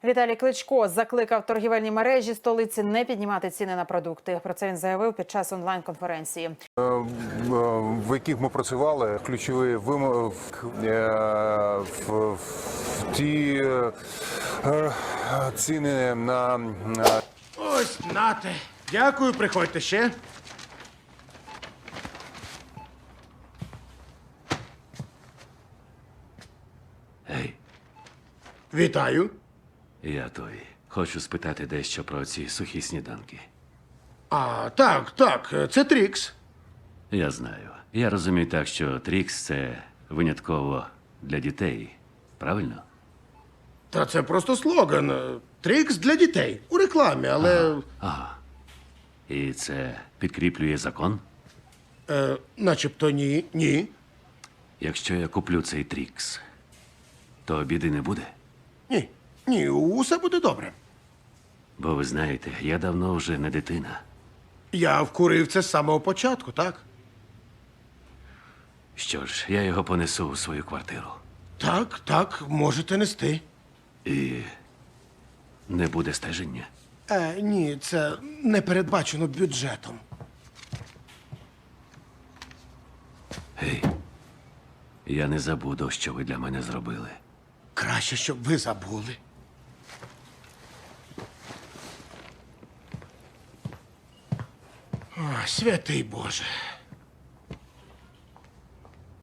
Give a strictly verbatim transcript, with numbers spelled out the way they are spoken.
Віталій Кличко закликав торгівельні мережі столиці не піднімати ціни на продукти. Про це він заявив під час онлайн-конференції. В яких ми працювали, ключові вимоги в ті ціни на... Ось, нате. Дякую, приходьте ще. Гей, Вітаю. я той. Хочу спитати дещо про ці сухі сніданки. А, так, так, це Трікс. Я знаю. Я розумію так, що Трікс – це винятково для дітей. Правильно? Та це просто слоган. Трікс для дітей. У рекламі, але. Ага. І це підкріплює закон? Е, начебто ні. Ні. Якщо я куплю цей Трікс, то біди не буде? Ні. Ні, усе буде добре. Бо ви знаєте, я давно вже не дитина. Я вкурив це з самого початку, так? Що ж, я його понесу у свою квартиру. Так, так, можете нести. І не буде стеження. Е, ні, це не передбачено бюджетом. Гей, я не забуду, що ви для мене зробили. Краще, щоб ви забули. О, святий Боже.